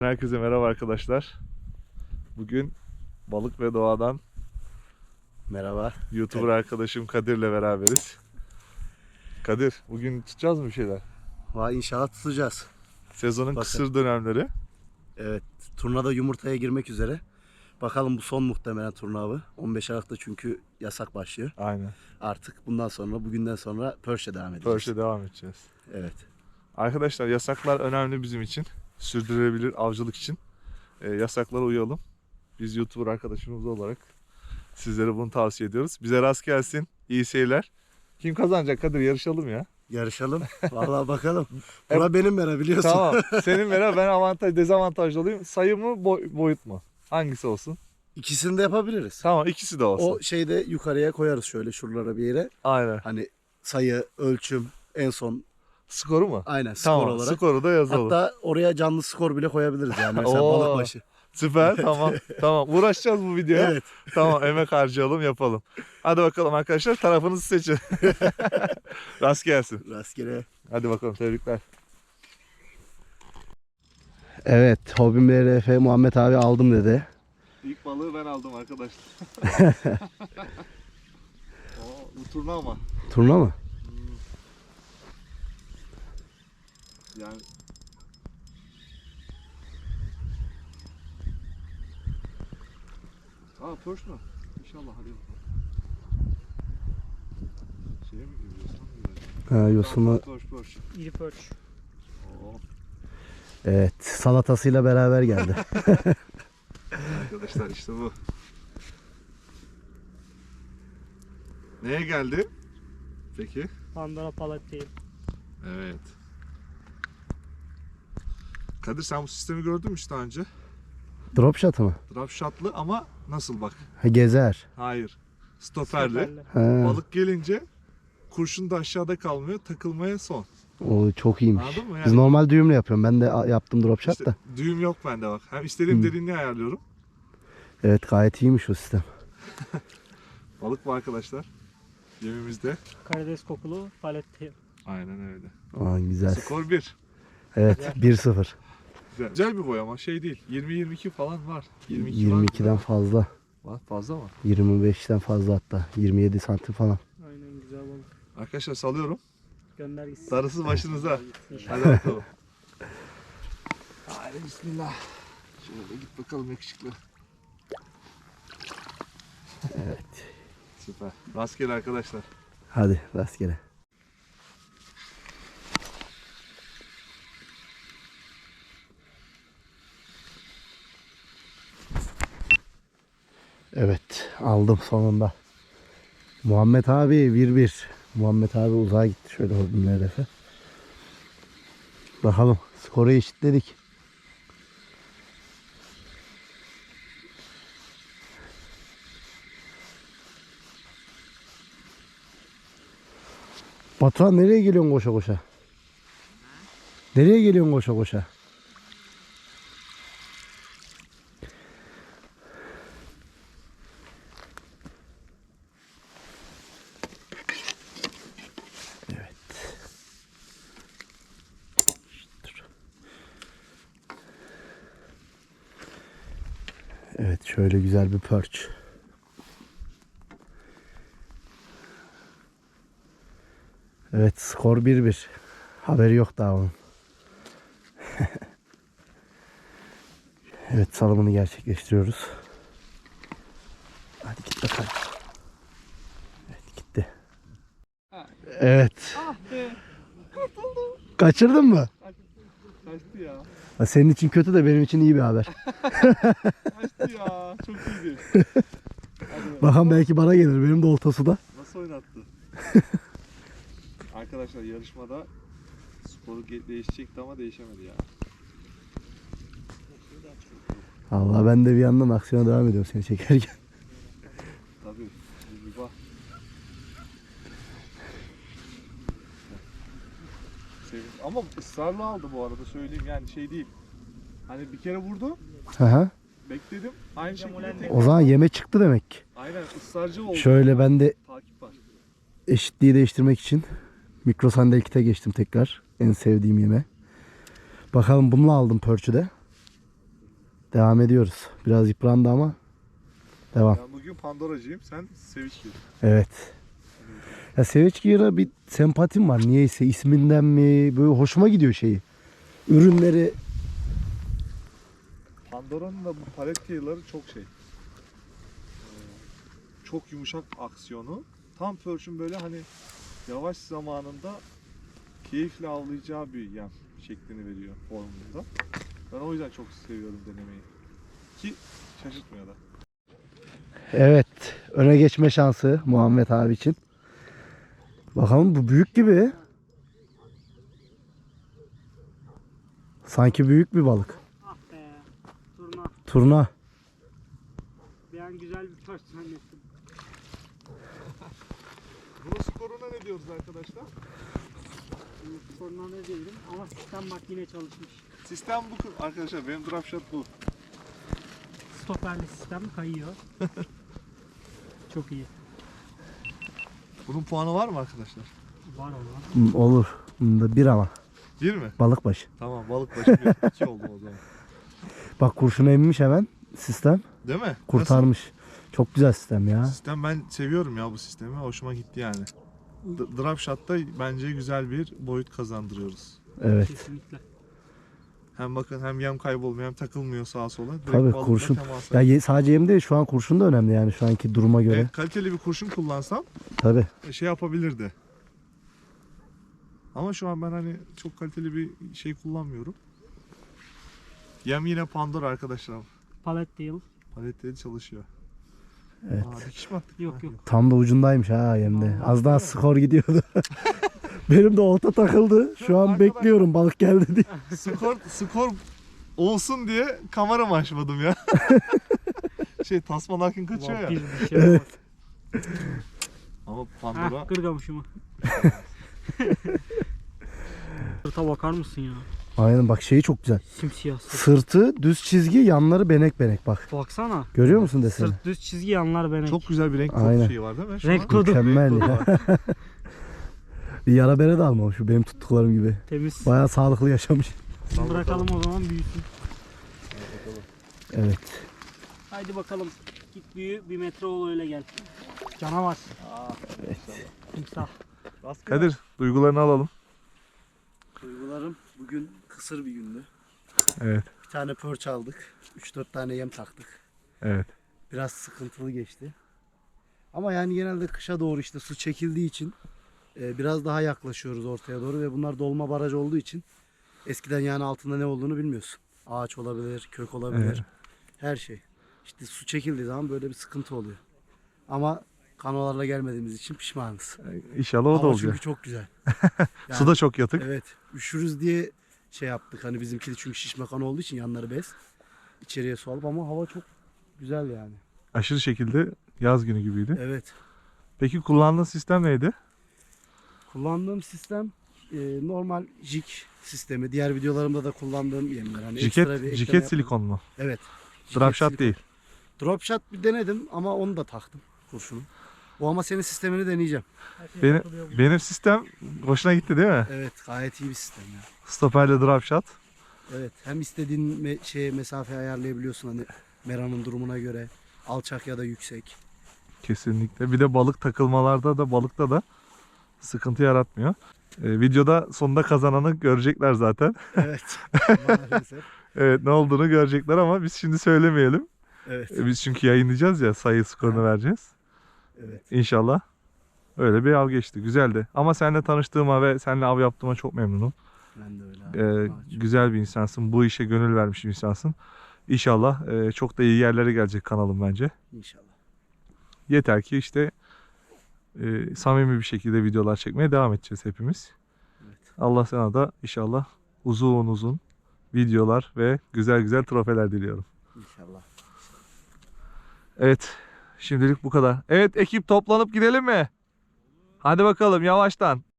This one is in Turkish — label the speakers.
Speaker 1: Herkese merhaba arkadaşlar. Bugün balık ve doğadan
Speaker 2: Merhaba.
Speaker 1: YouTuber arkadaşım Kadir'le beraberiz. Kadir, bugün tutacağız mı bir şeyler?
Speaker 2: Vay inşallah tutacağız.
Speaker 1: Sezonun
Speaker 2: Bakın.
Speaker 1: kısır dönemleri.
Speaker 2: Evet, turnada yumurtaya girmek üzere. Bakalım bu son muhtemelen turna avı. 15 Aralık'ta çünkü yasak başlıyor.
Speaker 1: Aynen.
Speaker 2: Artık bundan sonra, bugünden sonra Perch'e devam edeceğiz.
Speaker 1: Perch'e devam edeceğiz.
Speaker 2: Evet.
Speaker 1: Arkadaşlar yasaklar önemli bizim için. Sürdürülebilir avcılık için. Yasaklara uyalım. Biz YouTuber arkadaşımız olarak sizlere bunu tavsiye ediyoruz. Bize rast gelsin. İyi seyirler. Kim kazanacak Kadir? Yarışalım ya.
Speaker 2: Yarışalım. Vallahi bakalım. Bura benim mera biliyorsun.
Speaker 1: Tamam. Senin mera, ben avantaj dezavantajlı olayım. Sayı mı boyut mu? Hangisi olsun?
Speaker 2: İkisini de yapabiliriz.
Speaker 1: Tamam, ikisi de olsun.
Speaker 2: O şeyde yukarıya koyarız şöyle şuralara bir yere.
Speaker 1: Aynen.
Speaker 2: Hani sayı, ölçüm, en son
Speaker 1: Skoru mu?
Speaker 2: aynen skor
Speaker 1: Tamam,
Speaker 2: olarak.
Speaker 1: skoru da yazalım.
Speaker 2: Hatta oraya canlı skor bile koyabiliriz yani. Mesela
Speaker 1: Oo.
Speaker 2: balık başı.
Speaker 1: Süper, tamam. Tamam, uğraşacağız bu videoya.
Speaker 2: Evet.
Speaker 1: Tamam, emek harcayalım, yapalım. Hadi bakalım arkadaşlar, tarafınızı seçin. Rast gelsin.
Speaker 2: Rastgele.
Speaker 1: Hadi bakalım, tebrikler.
Speaker 2: Evet, Hobim RF Muhammed abi aldım dedi.
Speaker 1: İlk balığı ben aldım arkadaşlar. Bu turna ama.
Speaker 2: Turna mı?
Speaker 1: Yani Perch mü? İnşallah, hadi bakalım. Şeye mi giriyorsun?
Speaker 2: Ha, yosunu.
Speaker 1: Perch.
Speaker 3: İri perch.
Speaker 1: Oo.
Speaker 2: Evet, salatasıyla beraber geldi.
Speaker 1: Arkadaşlar işte bu. Neye geldi? Peki.
Speaker 3: Pandora palet değil.
Speaker 1: Evet. Kadir, sen bu sistemi gördün mü hiç daha önce?
Speaker 2: Drop shot mı?
Speaker 1: Drop shot'lı ama nasıl bak?
Speaker 2: Ha, gezer.
Speaker 1: Hayır. Stoperli.
Speaker 2: Ha,
Speaker 1: Balık gelince kurşun da aşağıda kalmıyor. Takılmaya son.
Speaker 2: o çok iyiymiş.
Speaker 1: Anladın mı?
Speaker 2: Biz
Speaker 1: Yani
Speaker 2: normal düğümle yapıyorum. Ben de yaptım drop shot
Speaker 1: işte
Speaker 2: da.
Speaker 1: düğüm yok bende bak. Hem istediğim derinliği ayarlıyorum.
Speaker 2: Evet, gayet iyiymiş o sistem.
Speaker 1: Balık bu arkadaşlar. Yemimizde.
Speaker 3: Karides kokulu palet değil.
Speaker 1: Aynen öyle.
Speaker 2: Aa, güzel.
Speaker 1: Skor 1.
Speaker 2: Evet, 1-0.
Speaker 1: Güzel. Güzel bir boy ama şey değil. 20-22 falan var. 22 var
Speaker 2: 22'den
Speaker 1: mı?
Speaker 2: fazla.
Speaker 1: Var, fazla mı?
Speaker 2: 25'ten fazla hatta. 27 santim falan.
Speaker 3: Aynen, güzel balık.
Speaker 1: Arkadaşlar salıyorum.
Speaker 3: Gönder gitsin.
Speaker 1: Darısı başınıza.
Speaker 3: İnşallah.
Speaker 1: Hadi bakalım. Haydi bismillah. Şöyle git bakalım yakışıklı.
Speaker 2: Evet.
Speaker 1: Süper. Rastgele arkadaşlar.
Speaker 2: Hadi rastgele. Evet, aldım sonunda. Muhammed abi 1-1. Muhammed abi uzağa gitti şöyle Hobim RF. Bakalım, skoru eşitledik. Batuhan nereye geliyorsun koşa koşa? Nereye geliyorsun koşa koşa? Evet. Dur. Evet, şöyle güzel bir perch. Evet, skor 1-1. Haberi yok daha onun. Evet, salımını gerçekleştiriyoruz. Hadi git bakalım. Evet, gitti. Evet.
Speaker 3: Ah be.
Speaker 2: Kaçırdın mı?
Speaker 1: Kaçtı ya.
Speaker 2: Ha, senin için kötü de benim için iyi bir haber.
Speaker 1: Kaçtı ya. Çok iyiydi.
Speaker 2: Bakalım, belki bana gelir. Benim de oltası da.
Speaker 1: Nasıl oynattı? Arkadaşlar yarışmada sporu değişecekti ama değişemedi ya.
Speaker 2: Allah, ben de bir yandan aksiyona devam ediyorum seni çekerken.
Speaker 1: Tabii. Bir bak. Ama ısrarla aldı bu arada, söyleyeyim, yani şey değil. Hani bir kere vurdu,
Speaker 2: Aha.
Speaker 1: bekledim, aynı şekilde
Speaker 2: O zaman yeme çıktı demek ki.
Speaker 1: aynen ısrarcı oldu.
Speaker 2: Şöyle ben de
Speaker 1: Takip var.
Speaker 2: eşitliği değiştirmek için mikro sandalye tekrar. En sevdiğim yeme. Bakalım, bununla aldım perch'ü de. Devam ediyoruz. Biraz yıprandı ama devam.
Speaker 1: Ben bugün Pandoracıyım. Sen Seviç gir.
Speaker 2: Evet. Ya Seviç Gear'a bir sempatim var. Niyeyse isminden mi böyle hoşuma gidiyor şeyi. Ürünleri
Speaker 1: Pandora'nın da bu palet tığları çok şey. Çok yumuşak aksiyonu. Tam Perch'ün böyle hani yavaş zamanında keyifle avlayacağı bir yem şeklini veriyor formunda. Ben o yüzden çok seviyorum denemeyi. Ki şaşırtmıyor da.
Speaker 2: evet öne geçme şansı Muhammed abi için. Bakalım bu büyük gibi. Sanki büyük bir balık.
Speaker 3: Ah be. Turna.
Speaker 2: Turna.
Speaker 3: Bir an güzel bir taş zannettim.
Speaker 1: Bunun skoruna ne diyoruz arkadaşlar?
Speaker 3: Turna ne diyelim ama sistem bak yine çalışmış.
Speaker 1: Sistem bu arkadaşlar. Benim drop shot bu.
Speaker 3: Stoperli sistem kayıyor. Çok iyi.
Speaker 1: Bunun puanı var mı arkadaşlar?
Speaker 3: Var olan.
Speaker 2: Olur. Bunda bir ama.
Speaker 1: Bir mi?
Speaker 2: Balık başı.
Speaker 1: Tamam, balık başı bir. 2 oldu o zaman.
Speaker 2: Bak kurşunu emmiş hemen sistem.
Speaker 1: Değil mi?
Speaker 2: Kurtarmış. Çok güzel sistem ya.
Speaker 1: Nasıl? Sistem ben seviyorum ya bu sistemi. Hoşuma gitti yani. Drop shot'ta bence güzel bir boyut kazandırıyoruz.
Speaker 2: Evet.
Speaker 3: Kesinlikle.
Speaker 1: Hem bakın hem yem kaybolmuyor hem takılmıyor sağa sola. Direkt
Speaker 2: Tabii,
Speaker 1: balıkla
Speaker 2: kurşun.
Speaker 1: temasa.
Speaker 2: Ya sadece yem değil şu an kurşun da önemli yani şu anki duruma göre.
Speaker 1: Kaliteli bir kurşun kullansam
Speaker 2: Tabii.
Speaker 1: şey yapabilirdi. Ama şu an ben hani çok kaliteli bir şey kullanmıyorum. Yem yine Pandora arkadaşlar.
Speaker 3: Palet değil.
Speaker 1: Paletleri çalışıyor.
Speaker 2: Evet.
Speaker 1: Aa, dikiş mi attık?
Speaker 3: Yok yok.
Speaker 2: Tam da ucundaymış ha yemde.
Speaker 1: Allah
Speaker 2: Az daha
Speaker 1: Allah.
Speaker 2: skor gidiyordu. Benim de olta takıldı. Şu an
Speaker 1: Arkadaşlar-
Speaker 2: bekliyorum balık geldi diye.
Speaker 1: Skor olsun diye kameramı açmadım ya. Tasman Hakin kaçıyor ya.
Speaker 3: Vampir bir şey var.
Speaker 1: Ama Pandora
Speaker 3: Hah kırgamışımı. Sırta bakar mısın ya?
Speaker 2: Aynen bak şeyi çok güzel.
Speaker 3: Simsiyah sırt.
Speaker 2: Sırtı düz çizgi, yanları benek benek bak.
Speaker 3: Baksana.
Speaker 2: Görüyor musun deseni?
Speaker 3: Sırt düz çizgi yanlar benek.
Speaker 1: çok güzel bir renk
Speaker 2: Aynen.
Speaker 1: kodu şeyi var değil mi? Şu
Speaker 3: Renk
Speaker 1: an-
Speaker 3: kodu.
Speaker 2: Mükemmel
Speaker 1: Renk
Speaker 2: ya.
Speaker 1: kodu var.
Speaker 2: Bir yara bere de almamış şu benim tuttuklarım gibi.
Speaker 3: Temiz.
Speaker 2: Bayağı sağlıklı yaşamış.
Speaker 3: Şimdi bırakalım o zaman büyüsün.
Speaker 2: Evet.
Speaker 3: Haydi bakalım. Git büyü 1 metre ol öyle gel. Canavar. Timsah.
Speaker 1: Kadir duygularını alalım.
Speaker 2: Duygularım bugün kısır bir gündü.
Speaker 1: Evet.
Speaker 2: Bir tane perch aldık. 3-4 tane yem taktık.
Speaker 1: Evet.
Speaker 2: Biraz sıkıntılı geçti. Ama yani genelde kışa doğru işte su çekildiği için biraz daha yaklaşıyoruz ortaya doğru ve bunlar dolma baraj olduğu için eskiden yani altında ne olduğunu bilmiyorsun. Ağaç olabilir, kök olabilir.
Speaker 1: Evet.
Speaker 2: Her şey. İşte su çekildiği zaman böyle bir sıkıntı oluyor. Ama kanolarla gelmediğimiz için pişmanız.
Speaker 1: İnşallah o da
Speaker 2: Hava
Speaker 1: olacak.
Speaker 2: çünkü çok güzel. Yani,
Speaker 1: Su da çok yatık.
Speaker 2: evet. Üşürüz diye şey yaptık. Hani bizimki de çünkü şişme kanı olduğu için yanları bez. İçeriye su alıp ama hava çok güzel yani.
Speaker 1: Aşırı şekilde yaz günü gibiydi.
Speaker 2: Evet.
Speaker 1: Peki kullandığın sistem neydi?
Speaker 2: Kullandığım sistem normal jig sistemi. Diğer videolarımda da kullandığım yemler. Hani ekstra bir ekleme
Speaker 1: Jiket
Speaker 2: yapmadım.
Speaker 1: silikon mu?
Speaker 2: Evet.
Speaker 1: Drop
Speaker 2: Jiket
Speaker 1: shot
Speaker 2: silikon.
Speaker 1: değil.
Speaker 2: Drop shot bir denedim ama onu da taktım kurşunu. O ama senin sistemini deneyeceğim.
Speaker 1: Benim sistem hoşuna gitti değil mi?
Speaker 2: Evet, gayet iyi bir sistem ya.
Speaker 1: Stoperle drop shot.
Speaker 2: Evet, hem istediğin mesafe ayarlayabiliyorsun hani meranın durumuna göre. Alçak ya da yüksek.
Speaker 1: Kesinlikle. Bir de balık takılmalarda da balıkta da sıkıntı yaratmıyor. Videoda sonunda kazananı görecekler zaten.
Speaker 2: Evet. Maalesef.
Speaker 1: Evet, ne olduğunu görecekler ama biz şimdi söylemeyelim.
Speaker 2: Evet.
Speaker 1: Biz çünkü yayınlayacağız ya, sayı skorunu
Speaker 2: Ha.
Speaker 1: vereceğiz.
Speaker 2: Evet.
Speaker 1: İnşallah. Öyle bir av geçti. Güzeldi. Ama seninle tanıştığıma ve seninle av yaptığıma çok memnunum.
Speaker 2: Ben de öyle. Abi.
Speaker 1: Güzel bir insansın. Bu işe gönül vermiş bir insansın. İnşallah çok da iyi yerlere gelecek kanalım bence.
Speaker 2: İnşallah.
Speaker 1: Yeter ki işte samimi bir şekilde videolar çekmeye devam edeceğiz hepimiz.
Speaker 2: Evet.
Speaker 1: Allah sana da inşallah uzun uzun videolar ve güzel güzel trofeler diliyorum.
Speaker 2: İnşallah.
Speaker 1: Evet, şimdilik bu kadar. Evet, ekip toplanıp gidelim mi? Hadi bakalım yavaştan.